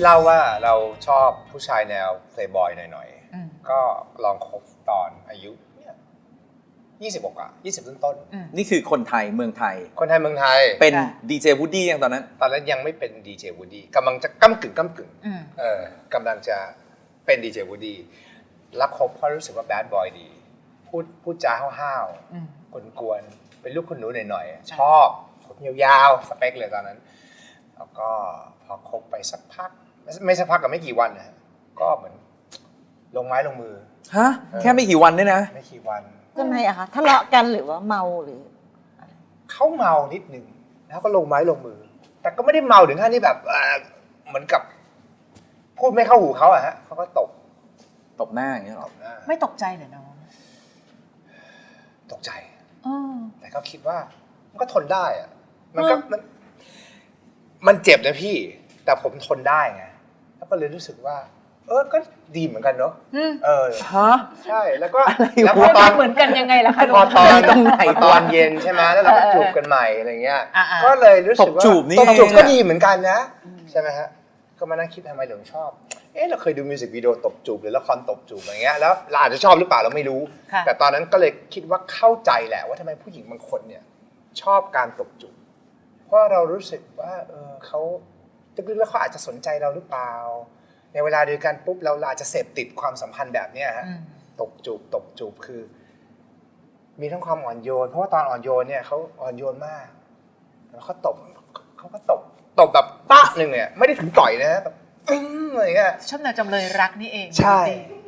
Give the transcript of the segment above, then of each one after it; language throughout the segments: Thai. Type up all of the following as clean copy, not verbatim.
ที่เล่าว่าเราชอบผู้ชายแนวเพลย์บอยหน่อยๆก็ลองคบตอนอายุ20 กว่า20 ต้นนี่คือคนไทยเมืองไทยคนไทยเมืองไทยเป็นดีเจวูดดี้ยังตอนนั้นยังไม่เป็นดีเจวูดดี้กำลังจะก้ำกึ่งกำลังจะเป็นดีเจวูดดี้รักคบเพราะรู้สึกว่าแบดบอยดีพูดจาห้าวๆกวนๆเป็นลูกคุณหนูหน่อยๆชอบผมยาวๆสเปคเลยตอนนั้นแล้วก็พอคบไปสักพักไม่สักพักกับไม่กี่วันนะก็เหมือนลงไม้ลงมือฮะแค่ไม่กี่วันเนี่ยนะไม่กี่วันทำไมอะคะทะเลาะกันหรือว่าเมาหรือเขาเมานิดนึงแล้วก็ลงไม้ลงมือแต่ก็ไม่ได้เมาถึงขั้นที่แบบเหมือนกับพูดไม่เข้าหูเขาอะฮะเขาก็ตบหน้าอย่างเงี้ยหรอไม่ตกใจเหรอน้องตกใจแต่เขาคิดว่ามันก็ทนได้อะมันเจ็บนะพี่แต่ผมทนได้ไงแล้วก็เลยรู้สึกว่าก็ดีเหมือนกันเนาะฮะใช่แล้วก็ตอนเหมือนกันยังไงล่ะคะพอตอนเย็นใช่ไหมแล้วเราก็จูบกันใหม่อะไรเงี้ยก็เลยรู้สึกว่าตบจูบก็ดีเหมือนกันนะใช่ไหมฮะก็มานั่งคิดทำไมถึงชอบเราเคยดูมิวสิกวิดีโอตบจูบหรือละครตบจูบอะไรเงี้ยแล้วเราอาจจะชอบหรือเปล่าเราไม่รู้แต่ตอนนั้นก็เลยคิดว่าเข้าใจแหละว่าทำไมผู้หญิงบางคนเนี่ยชอบการตบจูบเพราะเรารู้สึกว่าเขาลึกๆแล้วเขาอาจจะสนใจเราหรือเปล่าในเวลาเดียวกันปุ๊บเราอาจจะเสพติดความสัมพันธ์แบบนี้ฮะตบจูบคือมีทั้งความอ่อนโยนเพราะว่าตอนอ่อนโยนเนี่ยเขาอ่อนโยนมากแล้วเขาก็ตบแบบปะหนึ่งเนี่ยไม่ได้ถึงต่อยนะแบบอะไรเงี้ยชอบแนวจำเลยรักนี่เองใช่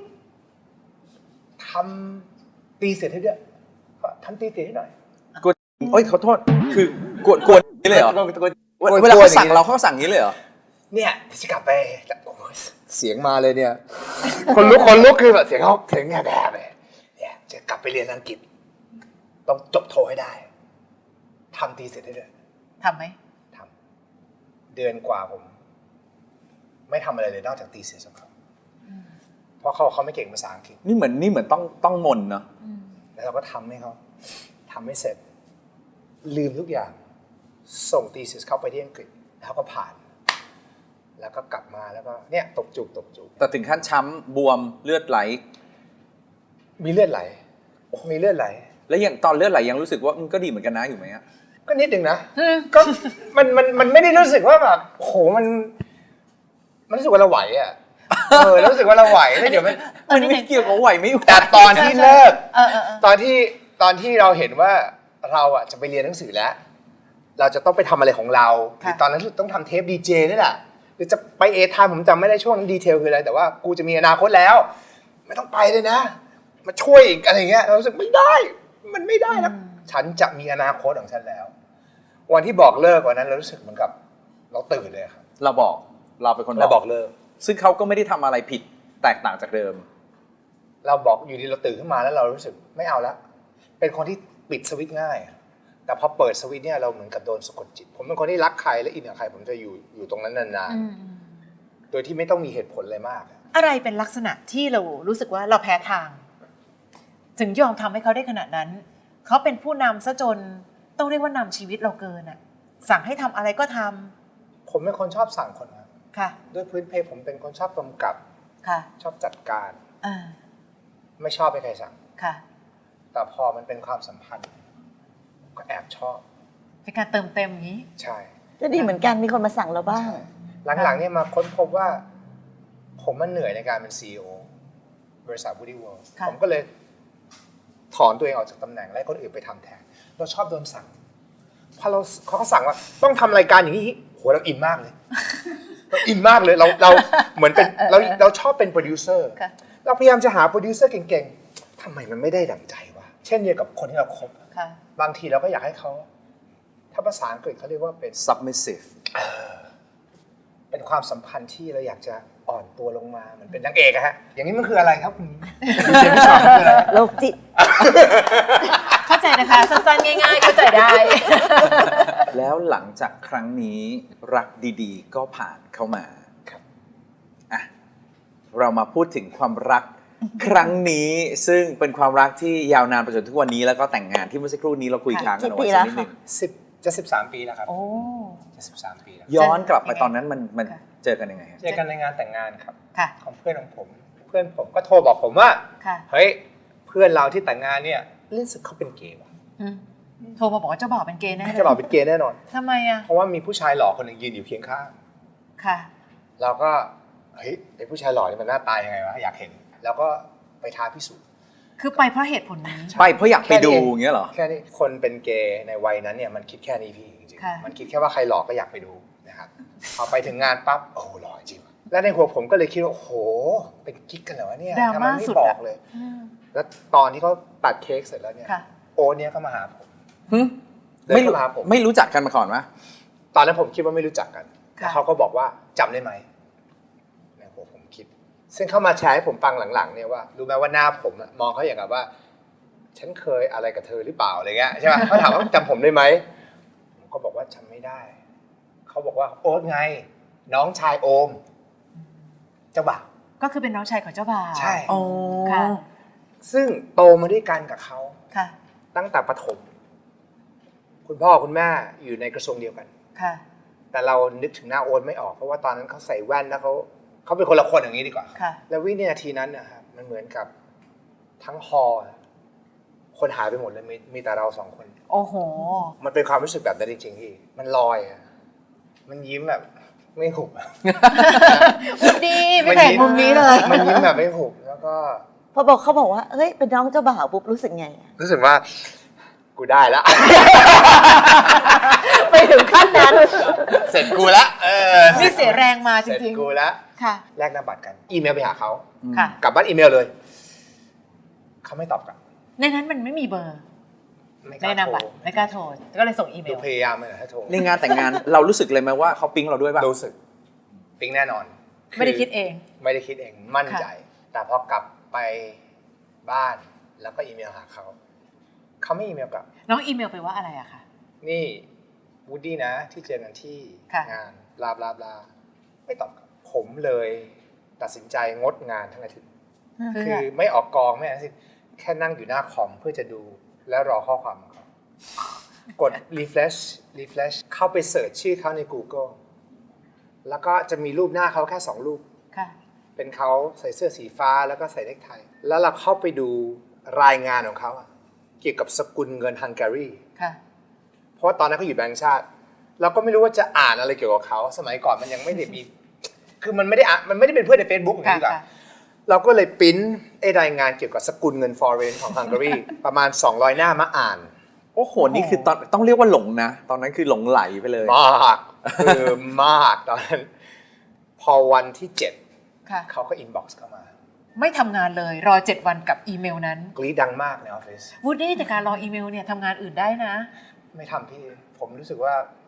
ทำตีเสร็จให้ด้วยทำตีเสร็จให้หน่อยกดขอโทษคือกวนนี่เลยเหรอเวลาเขาสั่งเราเขาสั่งนี้เลยเหรอเนี่ยจะกลับไปเสียงมาเลยเนี่ยคนลุกคือแบบเสียงแบบเนี่ยจะกลับไปเรียนอังกฤษต้องจบโทให้ได้ทำตีเสร็จได้เลยทำไหมทำเดือนกว่าผมไม่ทำอะไรเลยนอกจากตีเสร็จสักครั้งเพราะเขาไม่เก่งภาษาอังกฤษนี่เหมือนต้องมนเนาะแล้วเราก็ทำให้เขาทำให้เสร็จลืมทุกอย่างส่งตีเสร็จเข้าไปที่อังกฤษแล้วก็ผ่านแล้วก็กลับมาแล้วก็เนี่ยตบจูบแต่ถึงขั้นช้ำบวมเลือดไหลมีเลือดไหลแล้วอย่างตอนเลือดไหลยังรู้สึกว่ามันก็ดีเหมือนกันนะอยู่ไหมอะก็นิดนึงนะก็มันไม่ได้รู้สึกว่าแบบโหมันรู้สึกว่าเราไหวอ่ะรู้สึกว่าเราไหวแล้วเดี๋ยวมันไม่เกี่ยวกับไหวไม่ไหวแต่ตอนที่เลิกตอนที่เราเห็นว่าเราอ่ะจะไปเรียนหนังสือแล้วเราจะต้องไปทำอะไรของเราหรือตอนนั้นต้องทำเทปดีเจนี่แหละหรือจะไปทามผมจำไม่ได้ช่วงนั้นดีเทลคืออะไรแต่ว่ากูจะมีอนาคตแล้วไม่ต้องไปเลยนะมาช่วยอีกอะไรเงี้ยเรารู้สึกไม่ได้มันไม่ได้แล้วฉันจะมีอนาคตของฉันแล้ววันที่บอกเลิกวันนั้นเรารู้สึกเหมือนกับเราตื่นเลยครับเราเป็นคนบอกเลิกซึ่งเขาก็ไม่ได้ทำอะไรผิดแตกต่างจากเดิมเราบอกอยู่ดีเราตื่นขึ้นมาแล้วเรารู้สึกไม่เอาละเป็นคนที่ปิดสวิตช์ง่ายแต่พอเปิดสวิตช์เนี่ยเราเหมือนกับโดนสะกดจิตผมเป็นคนที่รักใครและอินกับใครผมจะอยู่ตรงนั้นนานๆโดยที่ไม่ต้องมีเหตุผลอะไรมากอะไรเป็นลักษณะที่เรารู้สึกว่าเราแพ้ทางถึงยอมทำให้เขาได้ขนาดนั้นเขาเป็นผู้นำซะจนต้องเรียกว่านำชีวิตเราเกินอ่ะสั่งให้ทำอะไรก็ทำผมเป็นคนชอบสั่งคนค่ะด้วยพื้นเพผมเป็นคนชอบกำกับค่ะชอบจัดการไม่ชอบให้ใครสั่งค่ะแต่พอมันเป็นความสัมพันธ์ก็แอบชอบเป็นการเติมเต็มอย่างนี้ใช่ก็ดีเหมือนกันมีคนมาสั่งเราบ้างหลังๆเนี่ยมาค้นพบว่าผมมันเหนื่อยในการเป็น CEO บริษัท Woody World ผมก็เลยถอนตัวเองออกจากตำแหน่งและให้คนอื่นไปทำแทนเราชอบโดนสั่งพอเขาสั่งว่าต้องทำรายการอย่างนี้โหเราอินมากเลยเราอินมากเลยเราเหมือนเป็นเราชอบเป็นโปรดิวเซอร์เราพยายามจะหาโปรดิวเซอร์เก่งๆทำไมมันไม่ได้ดั่งใจวะเช่นเดียวกับคนที่เราคบบางทีเราก็อยากให้เขาถ้าภาษาอังกฤษเขาเรียกว่าเป็น submissive เป็นความสัมพันธ์ที่เราอยากจะอ่อนตัวลงมามันเป็นนางเอกอะฮะอย่างนี้มันคืออะไรครับคุณเจมส์ชอนคืออะไรโรคจิตเข้าใจนะคะสั้นๆง่ายๆเข้าใจได้แล้วหลังจากครั้งนี้รักดีๆก็ผ่านเข้ามาอ่ะเรามาพูดถึงความรักครั้งนี้ซึ่งเป็นความรักที่ยาวนานไปจนทุกวันนี้แล้วก็แต่งงานที่เมื่อสักครู่นี้เราคุยค้างกันเอาไว้สักนิดนึงจะ13 ปีแล้วครับโอ้จะ13 ปีแล้วย้อนกลับไปตอนนั้นมันเจอกันยังไงฮะเจอกันในงานแต่งงานครับค่ะของเพื่อนของผม เพื่อนผมก็โทรบอกผมว่าค่ะเฮ้ยเพื่อนเราที่แต่งงานเนี่ยรู้สึกเขาเป็นเกย์ว่ะอืมโทรมาบอกว่าเจ้าบ่าวเป็นเกย์แน่เลยจะบอกเป็นเกย์แน่นอนทำไมอ่ะเพราะว่ามีผู้ชายหล่อคนหนึ่งยืนอยู่เคียงข้างค่ะเราก็เฮ้ยไอ้ผู้ชายหล่อนี่มันหน้าตายังไงวะอยากเห็น แล้วก็ไปท้าพิสูจน์คือไปเพราะเหตุผลนี้ไปเพราะอยากไปดูอย่างเงี้ยเหรอแค่นี้คนเป็นเกย์ในวัยนั้นเนี่ยมันคิดแค่นี้พี่จริงค่ะๆมันคิดแค่ว่าใครหล่อก็อยากไปดูนะครับพอไปถึงงานปั๊บโอ้โหหล่อจริงว่ะแล้วในหัวผมก็เลยคิดว่าโอ้โหเป็นกิ๊กกันเหรอวะเนี่ยดราทำไมม่าไม่สุดบออะกเลยอืมแล้วตอนที่เขาตัดเค้กเสร็จแล้วเนี่ยค่ะโอ๊ตเนี่ยก็มาหาผมหึเดินไม่รู้เข้ามาหาผมไม่รู้จักกันมาก่อนวะตอนนั้นผมคิดว่าไม่รู้จักกันค่ะแล้วเขาก็บอกว่าจำได้ไหมในหัวผมคิด ซึ่งเขามาแชร์ให้ผมฟังหลังๆเนี่ยว่ารู้ไหมว่าหน้าผมอะมองเขาอย่างกับว่า ฉันเคยอะไรกับเธอหรือเปล่าอะไรเงี้ยใช่ไหมเขาถามว่าจำผมได้ไหมผมก็บอกว่าจำไม่ได้เขาบอกว่าโอ๊ตไง น้องชายโอมเจ้าบ่าวก็คือเป็นน้องชายของเจ้าบ่าวใช่อ๋อค่ะซึ่งโตมาด้วยกันกับเขาค่ะตั้งแต่ประถม คุณพ่อคุณแม่อยู่ในกระทรวงเดียวกันค่ะแต่เรานึกถึงหน้าโอ๊ตไม่ออกเพราะว่าตอนนั้นเขาใส่แว่นแล้วเขาเป็นคนละคนอย่างนี้ดีกว่าค่ะแล้ววินาทีนั้นนะครับมันเหมือนกับทั้งฮอลล์คนหายไปหมดเลยมีแต่เราสองคนโอ้โหมันเป็นความรู้สึกแบบนั้นจริงๆพี่มันลอยอะมันยิ้มแบบไม่หุบอะดีไม่แต่มุมนี้เลยมันยิ้มแบบไม่หุบแล้วก็พอบอกเขาบอกว่าเฮ้ยเป็นน้องเจ้าบ่าวปุ๊บรู้สึกไงอะรู้สึกว่ากูได้ละไปถึงขั้นนั้นเสร็จกูละนี่เสียแรงมาจเสร็จริงกูละๆ ค่ะแลกหน้าบัตรกัน อีเมลไปหาเขาค่ะกลับบ้านอีเมลเลยเขาไม่ตอบกลับในนั้นมันไม่มีเบอร์ไม่กในล้านามโทรบัตรไม่กล้าโทร ก็เลยส่งอีเมดูลพยายามเลยนะถ้าโทรในงานแต่งงาน เรารู้สึกเลยไหมว่าเขาปิ๊งเราด้วยป่ะรู้สึกปิ๊งแน่นอนไม่ได้คิดเองไม่ได้คิดเองมั่นใจค่ะแต่พอกลับไปบ้านแล้วก็อีเมลหาเขาไม่อีเมลกลับน้องอีเมลไปว่าอะไรอะคะนี่วูดดี้นะที่เจอกันที่ค่ะงานบลาบลาบลาไม่ตอบกลับผมเลยตัดสินใจงดงานทั้งอาทิตย์เพื่คือ อไม่ออกกองไม่อะไรทั้งสิ้นแค่นั่งอยู่หน้าคอมเพื่อจะดูและรอข้อความของเขากด refresh เข้าไปเสิร์ชชื่อเขาใน Google แล้วก็จะมีรูปหน้าเขาแค่2รูปค่ะเป็นเขาใส่เสื้อสีฟ้าแล้วก็ใส่เนคไทแล้วเราเข้าไปดูรายงานของเขาอะเกี่ยวกับสกุลเงินฮังการีค่ะเพราะว่าตอนนั้นเขาอยู่แบงก์ชาติ เราก็ไม่รู้ว่าจะอ่านอะไรเกี่ยวกับเขาสมัยก่อนมันยังไม่ได้มี คือมันไม่ได้เป็นเพื่อนใน Facebook อย่างนี้ดีกว่าค่ะเราก็เลยปริ้นไอ้รายงานเกี่ยวกับสกุลเงิน foreign ของฮังการี ประมาณ200 หน้ามาอ่านโอ้โห นี่คือตอนต้องเรียกว่าหลงนะ ตอนนั้นคือหลงไหลไปเลยมากคือมากตอนนั้น พอวันที่ค่ะ 7เขาก็อินบ็อกซ์เข้ามาไม่ทำงานเลยรอ 7 วันกับอีเมลนั้นกรี๊ดดังมากในออฟฟิศวูดดี้แต่การรออีเมลเนี่ยทำงานอื่นได้นะไม่ทำพี่ ผมรู้สึกว่า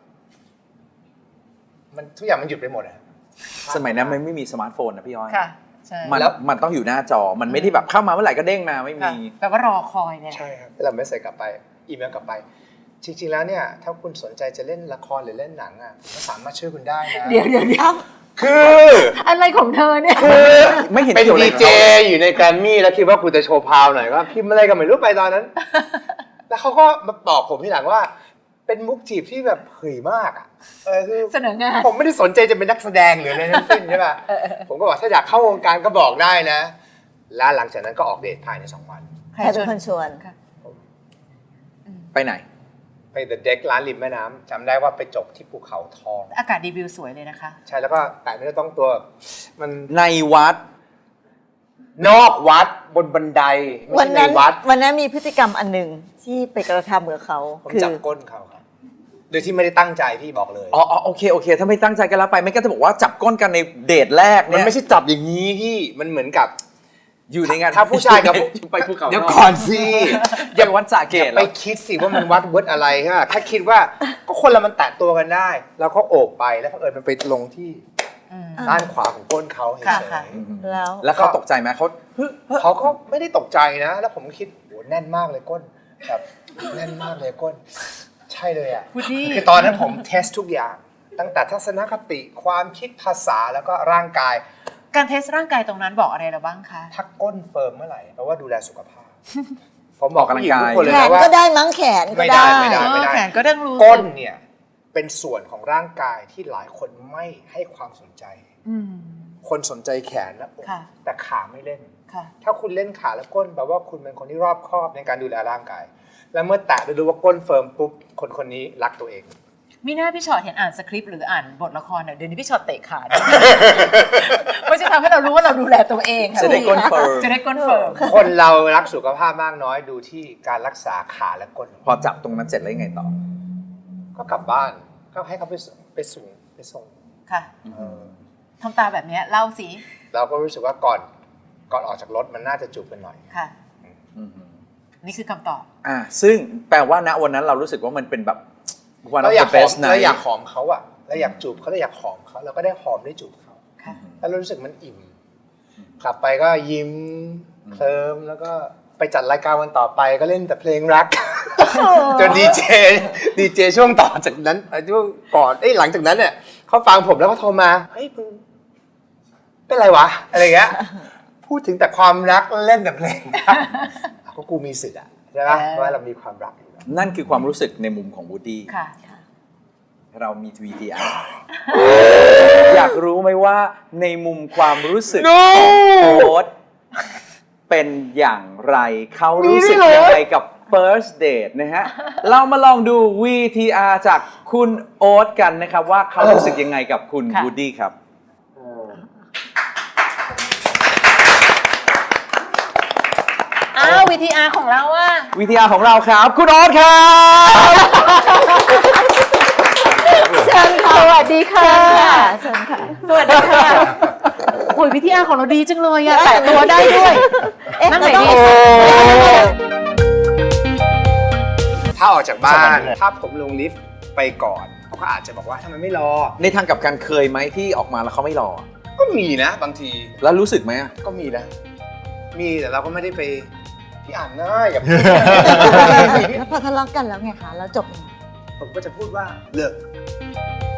มันทุกอย่างมันหยุดไปหมดอะสมัยนั้นมันไม่มีสมาร์ทโฟนนะพี่ย้อยค่ะ ใช่มันแล้วมันต้องอยู่หน้าจอ มันไม่ได้แบบเข้ามาเมื่อไหร่ก็เด้งมาไม่ค่ะมีแปลว่ารอคอยเนี่ยใช่ครับเราไม่ใส่กลับไป อีเมลกลับไป จริงๆแล้วเนี่ย ถ้าคุณสนใจจะเล่นละครหรือเล่นหนังอ่ะผมก็สามารถช่วยคุณได้นะเดี๋ยวคืออะไรของเธอเนี่ยไม่เห็นเป็นเกี่ยวอะไรดีกับเจเขาอยู่ในแกรมมี่แล้วคิดว่าคุณจะโชว์พาวหน่อยก็พิมพ์อะไรก็ไม่รู้ไปตอนนั้น แล้วเขาก็มาบอกผมทีหลังว่า เป็นมุกจีบที่แบบเผยมากอ่ะคือเสนองานผมไม่ได้สนใจจะเป็นนักแสดงหรืออะไรทั้งสิ้นใช่ป่ะผมก็บอกถ้าอยากเข้าวงการก็บอกได้นะ แล้วหลังจากนั้นก็ออกเดทภายใน2 วันใครเป็นคนชวนค่ะไปไหนไปเดอะเด็กร้านริมแม่น้ำจำได้ว่าไปจบที่ภูเขาทองอากาศดีวิวสวยเลยนะคะใช่แล้วก็แต่เนื้อต้องตัวมันในวัดนอกวัดบนบันไดไม่วันใช่ในนั้นวัดวันนั้นมีพฤติกรรมอันหนึ่งที่ไปกระทำกับเขาผมคือจับก้นเขาครับโดยที่ไม่ได้ตั้งใจพี่บอกเลยอ๋อโอเคโอเค ถ้าไม่ตั้งใจกันแล้วไปไม่ก็จะบอกว่าจับก้นกันในเดทแรกมันเนี่ยไม่ใช่จับอย่างนี้พี่มันเหมือนกับอยู่ในงานถ้าผู้ชายกับผู้ไปภูเขาเดี๋ยวก่อนสิอย่าวัดสระเกตไปคิดสิว่ามันวัดเวิร์ดอะไรฮะถ้าคิดว่าก็คนเรามันแตะตัวกันได้ แล้วก็โอบไปแล้วก็มันไปลงที่อืมด้านขวาของก้นเขาเฉค่ะยค่ะๆแล้วแล้วเขาตกใจไหมเขาเขาก็ไม่ได้ตกใจนะ แล้วผมก็คิดโหแน่นมากเลยก้นแบบแน่นมากเลยก้น ใช่เลยอ่ะวูดดี้คือตอนนั้นผมเทสทุกอย่าง ตั้งแต่ทัศนคติความคิดภาษาแล้วก็ร่างกายการเทสร่างกายตรงนั้นบอกอะไรเราบ้างคะถ้าก้นเฟิร์มเมื่อไหร่แปลว่าดูแลสุขภาพ ผมบอกผู้หญิงทุกคนเลยแขนะนว่าก็ได้มั้งแขนก็ไม่ได้ได้ไม่ได้แขนก็ต้องรู้ก้สึนกเนี่ยเป็นส่วนของร่างกายที่หลายคนไม่ให้ความสนใจ คนสนใจแขนและอกค่ะแต่ขาไม่เล่นค่ะถ้าคุณเล่นขาและก้นแปลว่าคุณเป็นคนที่รอบคอบในการดูแลร่างกาย และเมื่อแตะดูว่าก้นเฟิร์มปุ๊บคนนี้รักตัวเองมีหน้าพี่ชอตเห็นอ่านสคริปต์หรืออ่านบทละครเนี่ยเดี๋ยวนี้พี่ชอตเตะขาด้วย มันจะทำให้เรารู้ว่าเราดูแลตัวเองค่จะได้ก้นเฟิร์มจะได้ก้นเฟิร์มคนเรารักสุขภาพมากน้อยดูที่การรักษาขาและก้นพอจับตรงนั้นเสร็จแล้วยังไงต่อก็กลับบ้านก็ให้เขาไปส่งค่ะเออทำตาแบบเนี้ยเล่าสิเราก็รู้สึกว่าก่อนออกจากรถมันน่าจะจูบกันหน่อยค่ะอืมนี่คือคำตอบซึ่งแปลว่าณวันนั้นเรารู้สึกว่ามันเป็นแบบ one of เราอยาก the หอม best เราอยาก night หอมเขาอะเราอยากจูบเขาเราอยากหอมเขาเราก็ได้หอมได้จูบเขาค่ะแล้วเรารู้สึกมันอิ่มกลับไปก็ยิ้มเคลิ้มแล้วก็ไปจัดรายการวันต่อไปก็เล่นแต่เพลงรัก จนดีเจช่วงต่อจากนั้นช่วงก่อนหลังจากนั้นเนี่ยเขาฟังผมแล้วก็โทรมาเฮ้ยมึงเป็นไรวะอะไรเงี้ยพูดถึงแต่ความรักเล่นแต่เพลงรักก็กูมีสิทธิ์อะใช่ไหมเพราะว่าเรามีความรักอยู่แล้วนั่นคือความรู้สึกในมุมของวูดดี้ค่ะเรามี VTR อยากรู้ไหมว่าในมุมความรู้สึกของโค้ดเป็นอย่างไรเขารู้สึกยังไงกับ first date นะฮะ เรามาลองดู VTR จากคุณโอ๊ตกันนะครับว่าเขารู้สึกยังไงกับคุณค่ะวูดดี้ครับอ้าว VTR ของเราอะ VTR ของเราครับ คุณโอ๊ตครับเชิญค่ะสวัสดีค่ะเชิญค่ะสวัสดีค่ะโอ้ย VTR ของเราดีจังเลยอะแตะตัวได้ด้วย นั่งไหนดีถ้าออกจากบ้านถ้าผมลงลิฟต์ไปก่อนเขาก็อาจจะบอกว่าทำไมไม่รอในทางกลับกันเคยไหมที่ออกมาแล้วเขาไม่รอก็มีนะบางทีแล้วรู้สึกไหมอะก็มีนะ มีแต่เราก็ไม่ได้ไปพี่อ่านง่ายอย่าพูดแล้วพอทะเลาะกันแล้วไงคะแล้วจบยังไงผมก็จะพูดว่าเลิก